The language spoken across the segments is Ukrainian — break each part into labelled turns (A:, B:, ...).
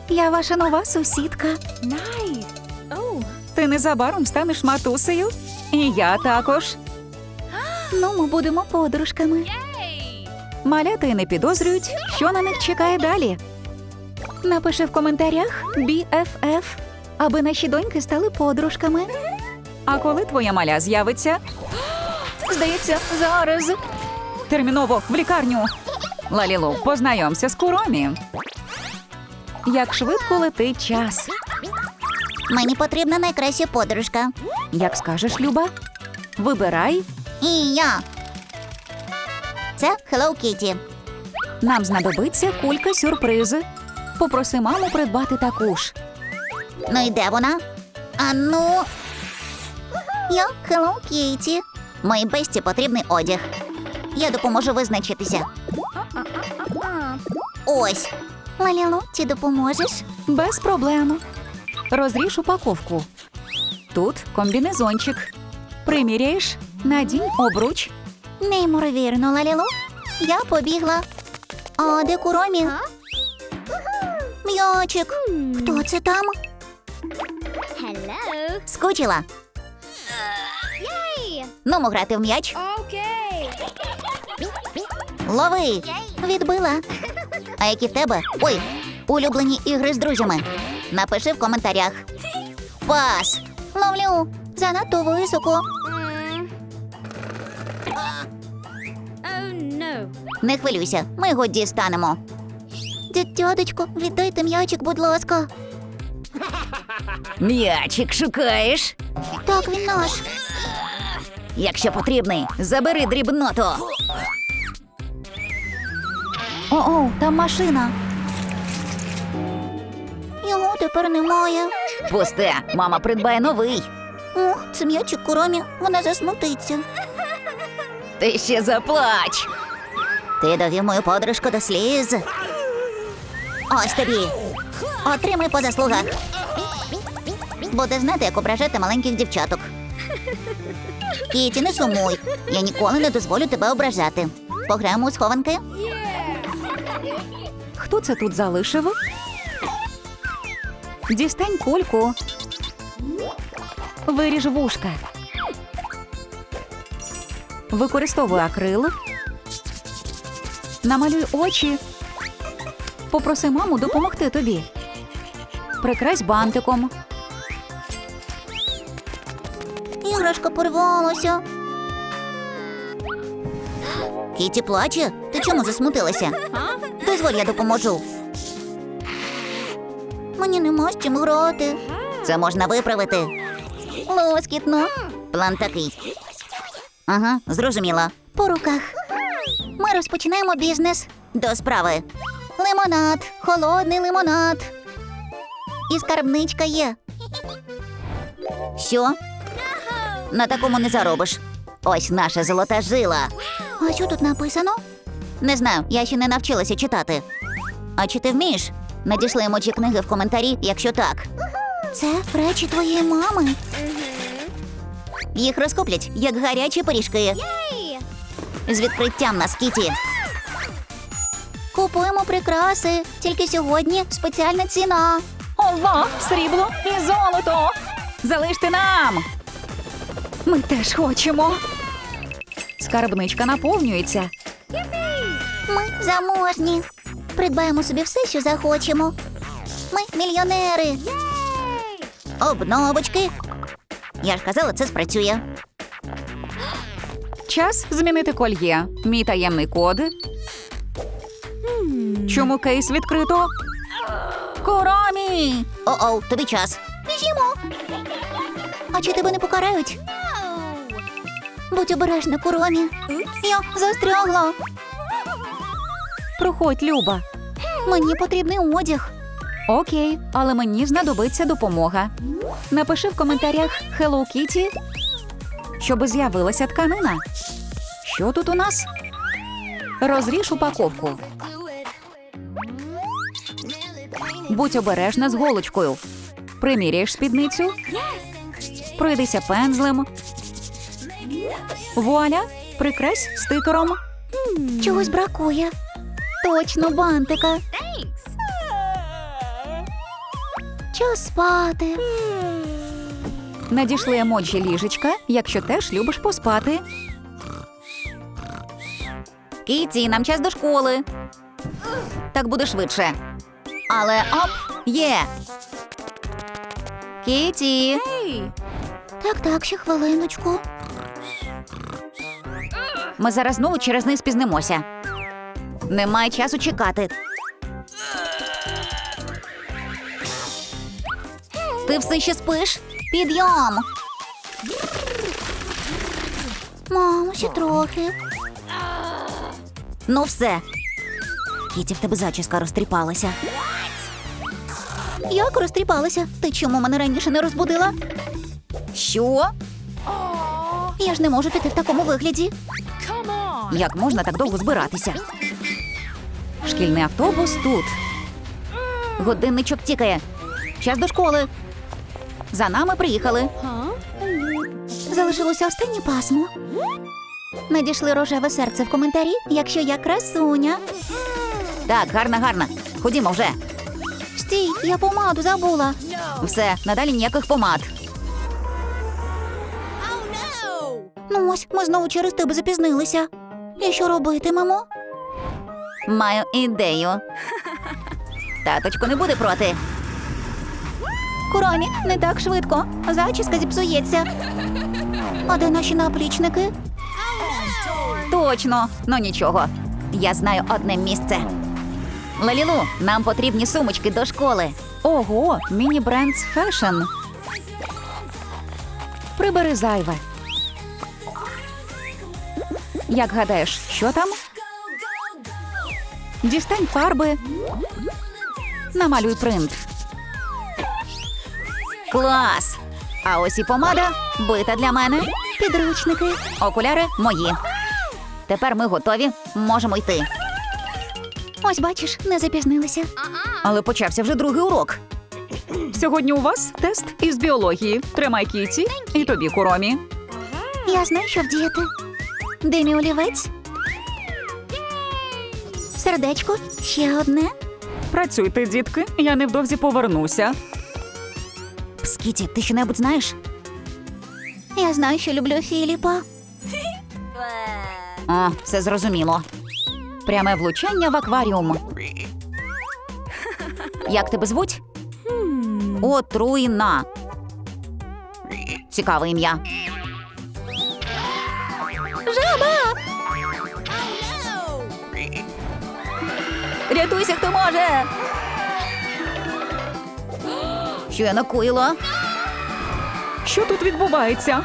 A: Я ваша нова сусідка.
B: Nice. Oh.
A: Ти незабаром станеш матусею. І я також. Ну, ми будемо подружками.
B: Yay.
A: Малята й не підозрюють, що на них чекає далі. Напиши в коментарях BFF, аби наші доньки стали подружками. А коли твоя маля з'явиться? Здається, зараз. Терміново в лікарню. Лалілу, познайомся з Куромі. Як швидко летить час.
C: Мені потрібна найкраща подружка.
A: Як скажеш, Люба? Вибирай.
C: І я. Це Hello Kitty.
A: Нам знадобиться кулька сюрпризи. Попроси маму придбати таку ж.
C: Ну і де вона? А ну. Я Hello Kitty. Моїй бесті потрібний одяг. Я допоможу визначитися. Ось. Лалілу, ти допоможеш?
A: Без проблем. Розріж упаковку. Тут комбінезончик. Приміряєш, надінь обруч.
C: Неймовірно, Лалілу. Я побігла. А де Куромі? М'ячик. Хто це там?
B: Hello.
C: Скучила.
B: Yay.
C: Нумо грати в м'яч.
B: Okay.
C: Лови. Відбила. А які в тебе? Ой, улюблені ігри з друзями. Напиши в коментарях. Пас. Ловлю. Занадто високо.
B: Oh no.
C: Не хвилюйся, ми його дістанемо. Дядечко, віддайте м'ячик, будь ласка.
A: М'ячик шукаєш?
C: Так, він наш.
A: Якщо потрібний, забери дрібноту. О, там машина.
C: Його тепер немає.
A: Пусте, мама придбає новий.
C: Ох, це м'ячик Куромі, вона засмутиться.
A: Ти ще заплач.
C: Ти довів мою подружку до сліз. Ось тобі. Отримай по заслугах. Буде знати, як ображати маленьких дівчаток. Кіті, не сумуй. Я ніколи не дозволю тебе ображати. Пограємо у схованки?
A: Хто це тут залишив? Дістань кульку. Виріж вушка. Використовуй акрил. Намалюй очі. Попроси маму допомогти тобі. Прикрась бантиком.
C: Іграшка порвалася. Кіті плаче? Ти чому засмутилася? Дозволь, я допоможу. Мені нема з чим грати. Це можна виправити. Лоскітно. План такий. Ага, зрозуміла. По руках. Ми розпочинаємо бізнес. До справи. Лимонад. Холодний лимонад. І скарбничка є. Що? На такому не заробиш. Ось наша золота жила. А що тут написано? Не знаю, я ще не навчилася читати. А чи ти вмієш? Надійшли емоджі книги в коментарі, якщо так. Це речі твоєї мами. Їх розкуплять, як гарячі пиріжки. З відкриттям на Кіті. Купуємо прикраси. Тільки сьогодні спеціальна ціна.
A: Ова, срібло і золото! Залиште нам! Ми теж хочемо. Скарбничка наповнюється.
C: Ми заможні. Придбаємо собі все, що захочемо. Ми мільйонери. Обновочки. Я ж казала, це спрацює.
A: Час змінити кольє. Мій таємний код. Чому кейс відкрито? Куромі!
C: О-оу, тобі час. Біжімо. А чи тебе не покарають? Будь обережна, Куромі. Я застрягла.
A: Проходь, Люба.
C: Мені потрібний одяг.
A: Окей, але мені знадобиться допомога. Напиши в коментарях Hello Kitty, щоб з'явилася тканина. Що тут у нас? Розріж упаковку. Будь обережна з голочкою. Приміряєш спідницю. Пройдися пензлем. Вуаля, прикрась стикером.
C: Чогось бракує. Точно, бантика. час спати.
A: Надійшли емоджі ліжечка, якщо теж любиш поспати. Кіті, нам час до школи. Так буде швидше. Але оп, є. Кіті.
B: Hey.
C: Так, ще хвилиночку.
A: Ми зараз знову через них спізнимося. Немає часу чекати.
C: Ти все ще спиш? Підйом! Мамо, ще трохи.
A: Ну все.
C: Кіті, в тебе зачіска розтріпалася. Як розтріпалася? Ти чому мене раніше не розбудила?
A: Що?
C: Я ж не можу піти в такому вигляді.
B: Come on.
A: Як можна так довго збиратися? Шкільний автобус тут. Годинничок тікає. Час до школи. За нами приїхали.
B: Huh?
C: Залишилося останнє пасмо. Надійшли рожеве серце в коментарі, якщо я красуня.
A: Так, гарно. Ходімо вже.
C: Стій, я помаду забула.
A: Все, надалі ніяких помад.
C: Ну ось, ми знову через тебе запізнилися. І що робитимемо?
A: Маю ідею. Таточко не буде проти.
C: Куромі, не так швидко. Зачіска зіпсується. А де наші наплічники?
A: Точно, ну нічого. Я знаю одне місце. Лалілу, нам потрібні сумочки до школи. Ого, міні-брендс фешн. Прибери зайве. Як гадаєш, що там? Дістань фарби. Намалюй принт. Клас! А ось і помада, бита для мене.
C: Підручники.
A: Окуляри мої. Тепер ми готові, можемо йти.
C: Ось бачиш, не запізнилися.
A: Але почався вже другий урок. Сьогодні у вас тест із біології. Тримай Кіті і тобі, Куромі.
C: Я знаю, що вдіяти. Де мій олівець? Сердечко, ще одне.
A: Працюйте, дітки, я невдовзі повернуся.
C: Пс, Кіті, ти що-небудь знаєш? Я знаю, що люблю Філіпа.
A: О, все зрозуміло. Пряме влучання в акваріум. Як тебе звуть? Отруйна. Цікаве ім'я.
C: Жаба!
A: Рятуйся, хто може! Що я накоїла? Що тут відбувається?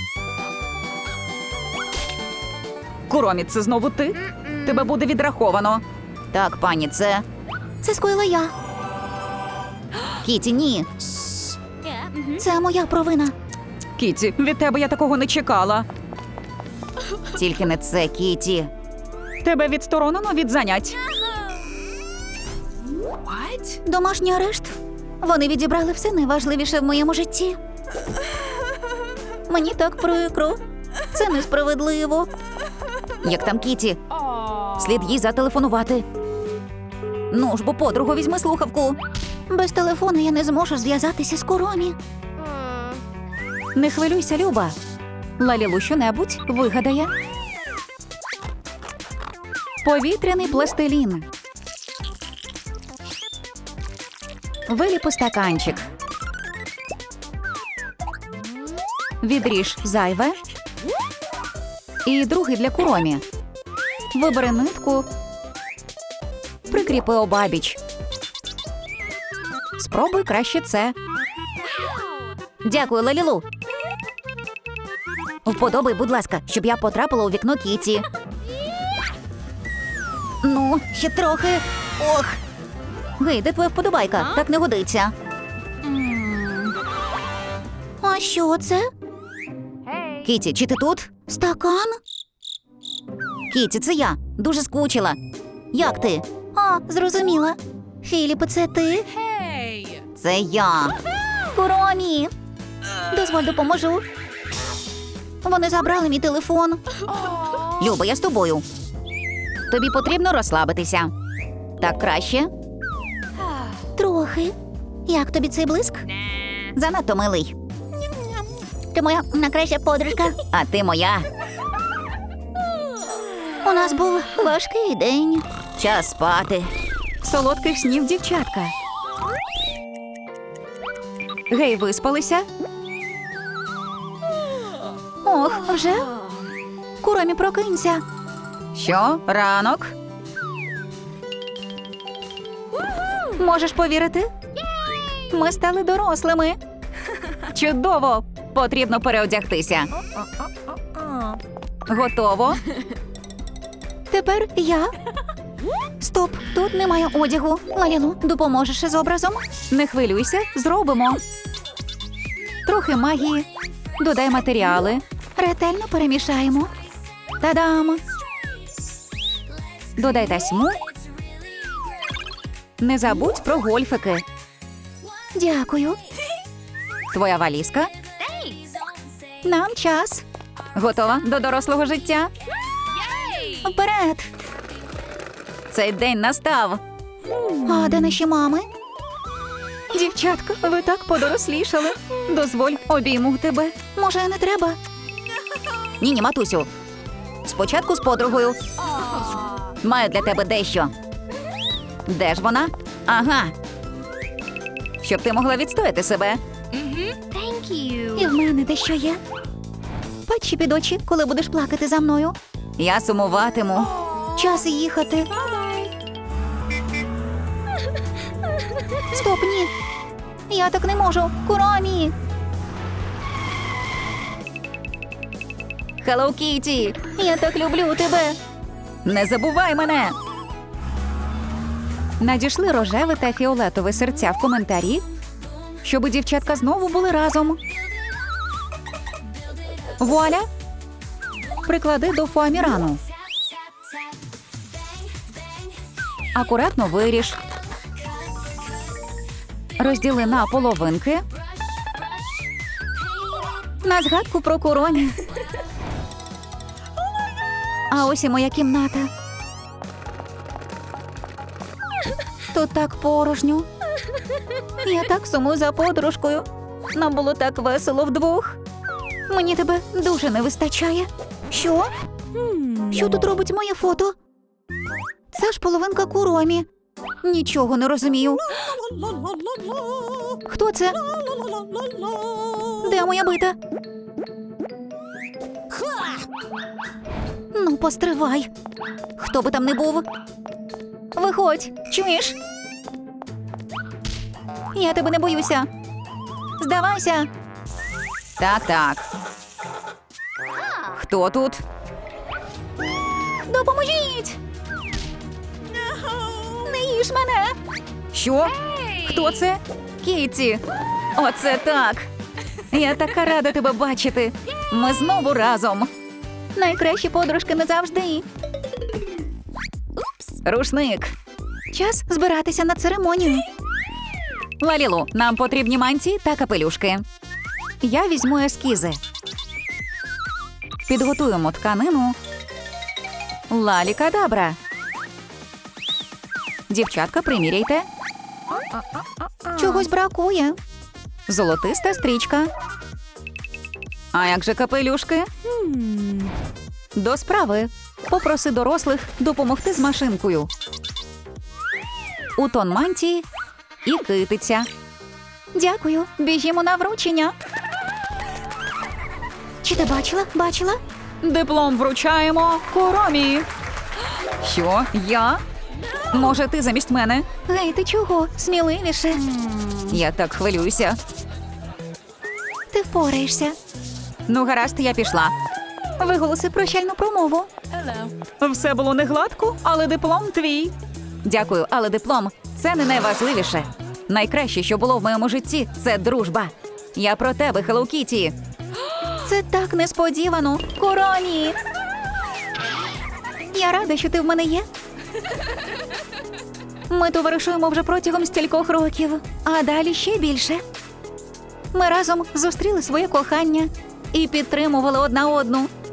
A: Куромі, це знову ти? Тебе буде відраховано. Так, пані, це...
C: Це скоїла я.
A: Кіті, ні.
B: Yeah.
C: Це моя провина.
A: Кіті, від тебе я такого не чекала. Тільки не це, Кіті. Тебе відсторонено від занять.
B: What?
C: Домашній арешт. Вони відібрали все найважливіше в моєму житті. Мені так прикро. Це несправедливо.
A: Як там Кіті?
B: Oh.
A: Слід їй зателефонувати. Ну ж, бо подругу візьми слухавку.
C: Без телефону я не зможу зв'язатися з Куромі.
A: Не хвилюйся, Люба. Лалілу щонебудь вигадає. Повітряний пластилін. Виліпи стаканчик. Відріж зайве. І другий для Куромі. Вибери нитку. Прикріпи обабіч. Спробуй краще це. Дякую, Лалілу. Вподобай, будь ласка, щоб я потрапила у вікно Кіті.
C: Ну, ще трохи. Ох,
A: Гей, де твоя вподобайка? Так не годиться.
C: а що це?
A: Кіті, чи ти тут?
C: Стакан?
A: Кіті, це я. Дуже скучила. Як ти?
C: А, зрозуміла. Філіпе, це ти?
B: Hey.
A: Це я.
C: Куромі! Дозволь, допоможу. Вони забрали мій телефон.
A: Люба, я з тобою. Тобі потрібно розслабитися. Так краще?
C: Трохи. Як тобі цей блиск? Занадто милий. Ти моя найкраща подружка. А ти моя. У нас був важкий день. Час спати.
A: Солодких снів, дівчатка. Гей, виспалися?
C: Ох, вже? Куромі, прокинься.
A: Що? Ранок? Можеш повірити? Ми стали дорослими. Чудово! Потрібно переодягтися. Готово?
C: Тепер я. Стоп, тут немає одягу. Лалілу, допоможеш із образом?
A: Не хвилюйся, зробимо. Трохи магії. Додай матеріали.
C: Ретельно перемішаємо.
A: Та-дам! Додай тасьму. Не забудь про гольфики.
C: Дякую.
A: Твоя валізка.
C: Нам час.
A: Готова до дорослого життя?
C: Вперед.
A: Цей день настав.
C: А де наші мами?
A: Дівчатка, ви так подорослішали. Дозволь, обійму тебе.
C: Може, не треба?
A: Ні, матусю. Спочатку з подругою. Маю для тебе дещо. Де ж вона? Ага. Щоб ти могла відстояти себе.
B: Thank you.
C: І в мене дещо є. Патчі під очі, коли будеш плакати за мною.
A: Я сумуватиму.
C: Час їхати. Стоп, ні. Я так не можу. Куромі.
A: Hello, Kitty!
C: Я так люблю тебе.
A: Не забувай мене! Надійшли рожеве та фіолетове серця в коментарі, щоб дівчатка знову були разом. Вуаля! Приклади до фоамірану. Акуратно виріж. Розділи на половинки.
C: На згадку про Куромі. А ось і моя кімната. Тут так порожньо. Я так сумую за подружкою. Нам було так весело вдвох. Мені тебе дуже не вистачає. Що? Що тут робить моє фото? Це ж половинка Куромі. Нічого не розумію. Хто це? Де моя бита? Ну, постривай. Хто би там не був? Виходь, чуєш? Я тебе не боюся. Здавайся.
A: Так. Хто тут?
C: Допоможіть! Не їж мене!
A: Що? Хто це? Кіті. Оце так. Я така рада тебе бачити. Ми знову разом.
C: Найкращі подружки назавжди.
A: Рушник.
C: Час збиратися на церемонію.
A: Лалілу, нам потрібні мантії та капелюшки. Я візьму ескізи. Підготуємо тканину. Лалі-кадабра. Дівчатка, приміряйте.
C: Чогось бракує.
A: Золотиста стрічка. А як же капелюшки? До справи. Попроси дорослих допомогти з машинкою. У тон мантії і китиця.
C: Дякую. Біжімо на вручення. Чи ти бачила?
A: Диплом вручаємо Куромі. Що? Я? Може, ти замість мене?
C: Гей, ти чого? Сміливіше.
A: Я так хвилююся.
C: Ти впораєшся.
A: Ну, гаразд, я пішла.
C: Виголоси прощальну промову.
A: Все було не гладко, але диплом твій. Дякую, але диплом – це не найважливіше. Найкраще, що було в моєму житті – це дружба. Я про тебе, Hello Kitty.
C: Це так несподівано. Куромі! Я рада, що ти в мене є. Ми товаришуємо вже протягом стількох років, а далі ще більше. Ми разом зустріли своє кохання і підтримували одна одну.